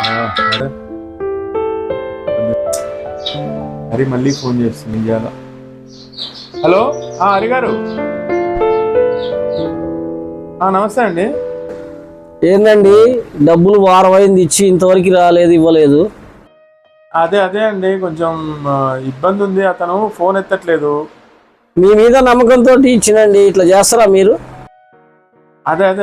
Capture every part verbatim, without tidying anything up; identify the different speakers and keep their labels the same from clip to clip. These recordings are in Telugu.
Speaker 1: హరి మళ్ళీ ఫోన్ చేస్తుంది ఇవాళ. హలో హరి గారు, నమస్తే అండి.
Speaker 2: ఏందండి డబ్బులు వారం అయింది ఇచ్చి ఇంతవరకు రాలేదు, ఇవ్వలేదు.
Speaker 1: అదే అదే అండి, కొంచెం ఇబ్బంది ఉంది. అతను ఫోన్ ఎత్తట్లేదు.
Speaker 2: మీ మీద నమ్మకంతో ఇచ్చినండి, ఇట్లా చేస్తారా మీరు?
Speaker 1: అదే అదే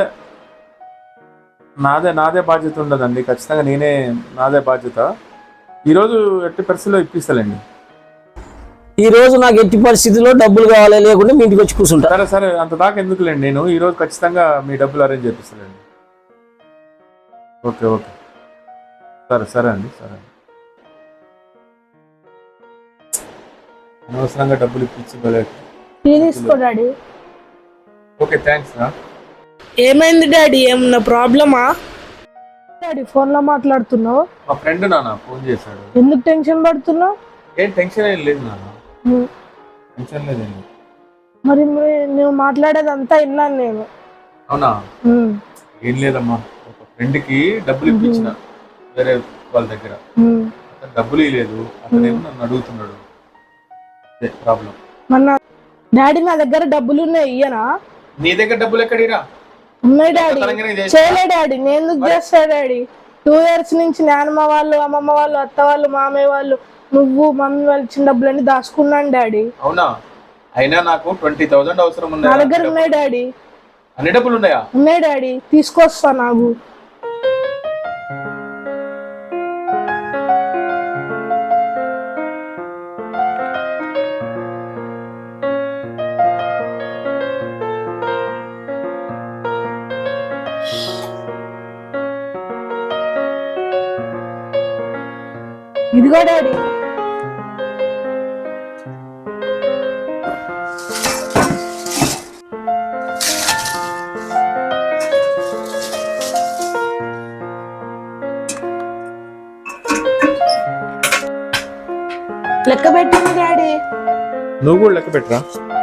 Speaker 1: నాదే నాదే బాధ్యత ఉండదండి, ఖచ్చితంగా నేనే, నాదే బాధ్యత. ఈరోజు ఎట్టి పరిస్థితిలో ఇప్పిస్తానండి.
Speaker 2: ఈ రోజు నాకు ఎట్టి పరిస్థితిలో డబ్బులు కావాలి, లేకుంటే మీ ఇంటికి వచ్చి కూర్చుంటా.
Speaker 1: సరే సరే, అంత దాకా ఎందుకులేండి, నేను ఈరోజు ఖచ్చితంగా మీ డబ్బులు అరేంజ్ చేపిస్తానండి. ఓకే ఓకే, సరే సరే అండి, సరే అండి. అనవసరంగా డబ్బులు ఇప్పించి
Speaker 3: తీసుకో డాడీ.
Speaker 1: ఓకే, థ్యాంక్స్ రా.
Speaker 3: ఏమైంది డాడీ, ఏమన్నా ప్రాబ్లమా? డాడీ ఫోన్ లో మాట్లాడుతున్నావు?
Speaker 1: మా ఫ్రెండ్ నాన్న ఫోన్ చేశాడు.
Speaker 3: ఎందుకు టెన్షన్ పడుతున్నావు?
Speaker 1: ఏం టెన్షన్ ఏం లేదు నాన్న, టెన్షన్ లేదండి.
Speaker 3: మరి నువ్వు మాట్లాడేదంతా విన్నాను నేను.
Speaker 1: అవునా? ఏం లేదమ్మా, ఒక ఫ్రెండ్ కి డబ్బులు ఇప్పించిన వేరే వాళ్ళ దగ్గర, అతను డబ్బులు ఇవ్వలేదు. అతనేమో నన్ను అడుగుతున్నాడు, ప్రాబ్లం.
Speaker 3: మన డాడీ నా దగ్గర డబ్బులు ఉన్నాయి, ఇయ్యనా?
Speaker 1: నీ దగ్గర డబ్బులు ఎక్కడిరా?
Speaker 3: ఉన్నాయి డాడీ. చేయలే డాడీ, నేను ఎందుకు చేస్తా డాడీ? టూ ఇయర్స్ నుంచి నాన్నమ్మ వాళ్ళు, అమ్మమ్మ వాళ్ళు, అత్త వాళ్ళు, మామయ్య వాళ్ళు, నువ్వు మమ్మీ వాళ్ళు ఇచ్చిన డబ్బులన్నీ దాచుకున్నాను డాడీ.
Speaker 1: అవునా? అయినా నాకు ట్వంటీ థౌసండ్ అవసరం ఉంది.
Speaker 3: నా దగ్గర ఉన్నాయి డాడీ.
Speaker 1: అన్ని డబ్బులు ఉన్నాయా?
Speaker 3: ఉన్నాయి డాడీ, తీసుకొస్తా. నాకు ఇదిగో డాడీ. లెక్క పెట్టింది డాడీ.
Speaker 1: నువ్వు కూడా లెక్క పెట్టరా.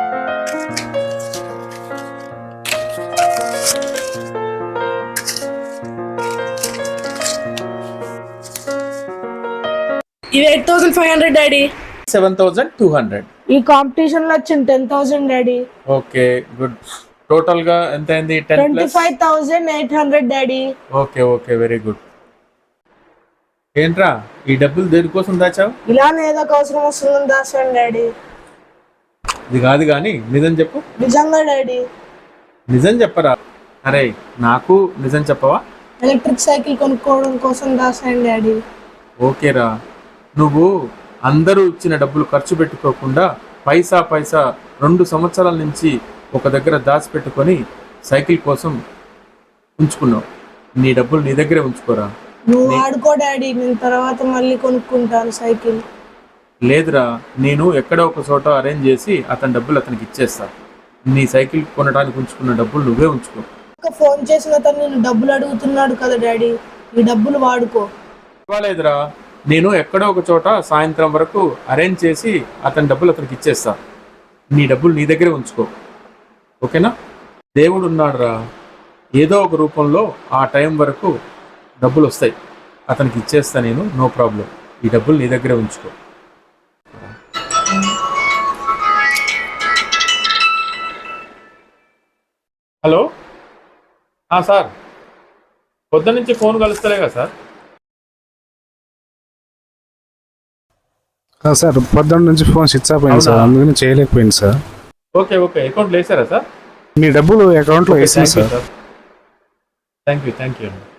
Speaker 3: ఇది eight thousand five hundred daddy.
Speaker 1: Seven thousand two hundred.
Speaker 3: ఈ కాంపిటీషన్ లో వచ్చింది ten thousand daddy.
Speaker 1: Okay good. Total గా ఎంత అయింది?
Speaker 3: Twenty five thousand eight hundred daddy.
Speaker 1: Okay okay, very good. ఏంట్రా ఈ డబ్బులు దేనికోసం దాచావు?
Speaker 3: ఇలానే ఏదో ఒక అవసరం వస్తుందని దాచాను డాడీ.
Speaker 1: ఇది కాదు కానీ నిజం చెప్పు.
Speaker 3: నిజంగా డాడీ.
Speaker 1: నిజం చెప్పరా? అరే నాకు నిజం చెప్పవా?
Speaker 3: ఎలక్ట్రిక్ సైకిల్ కొనుక్కోవడం కోసం దాచాను డాడీ.
Speaker 1: ఓకేరా, నువ్వు అందరూ ఇచ్చిన డబ్బులు ఖర్చు పెట్టుకోకుండా పైసా పైసా రెండు సంవత్సరాల నుంచి ఒక దగ్గర దాచిపెట్టుకొని సైకిల్ కోసం ఉంచుకున్నావు. నీ డబ్బులు నీ దగ్గరే ఉంచుకోరా.
Speaker 3: నువ్వు ఆడుకో డాడీ, నేను తర్వాత మళ్ళీ కొనుక్కుంటాను సైకిల్.
Speaker 1: లేదురా, నేను ఎక్కడో ఒక చోట అరేంజ్ చేసి అతని డబ్బులు అతనికి ఇచ్చేస్తా. నీ సైకిల్ కొనడానికి ఉంచుకున్న డబ్బులు నువ్వే ఉంచుకో.
Speaker 3: ఫోన్ చేసిన అతను నేను డబ్బులు అడుగుతున్నాడు కదా డాడీ, ఈ డబ్బులు వాడుకో.
Speaker 1: లేదురా, నేను ఎక్కడో ఒక చోట సాయంత్రం వరకు అరేంజ్ చేసి అతని డబ్బులు అతనికి ఇచ్చేస్తా. నీ డబ్బులు నీ దగ్గరే ఉంచుకో, ఓకేనా? దేవుడు ఉన్నాడు రా, ఏదో ఒక రూపంలో ఆ టైం వరకు డబ్బులు వస్తాయి, అతనికి ఇచ్చేస్తా నేను, నో ప్రాబ్లం. ఈ డబ్బులు నీ దగ్గరే ఉంచుకో. హలో సార్, పొద్దు నుంచి ఫోన్ కలుస్తలేగా సార్?
Speaker 4: సార్ పొద్దున్న నుంచి ఫోన్ స్విచ్ ఆఫ్ అయింది సార్, అందుకని చేయలేకపోయింది సార్.
Speaker 1: ఓకే ఓకే, అకౌంట్లో వేసారా సార్?
Speaker 4: మీ డబ్బులు అకౌంట్లో వేసాను sir.
Speaker 1: Thank you thank you అండి.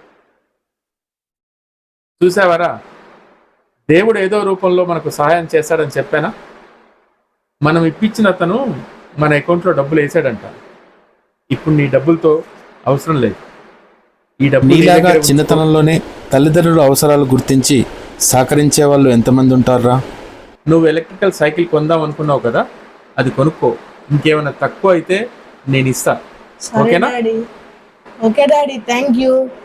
Speaker 1: చూసావారా, దేవుడు ఏదో రూపంలో మనకు సహాయం చేస్తాడని చెప్పానా? మనం ఇప్పించిన అతను మన అకౌంట్లో డబ్బులు వేసాడంట. ఇప్పుడు నీ డబ్బులతో అవసరం లేదు. ఈ డబ్బు
Speaker 5: నీలాగా చిన్నతనంలోనే తల్లిదండ్రుల అవసరాలు గుర్తించి సహకరించే వాళ్ళు ఎంతమంది ఉంటారా?
Speaker 1: నువ్వు ఎలక్ట్రికల్ సైకిల్ కొందాం అనుకున్నావు కదా, అది కొనుక్కో. ఇంకేమైనా తక్కువ అయితే నేను ఇస్తా, ఓకేనా?
Speaker 3: Okay daddy, thank you.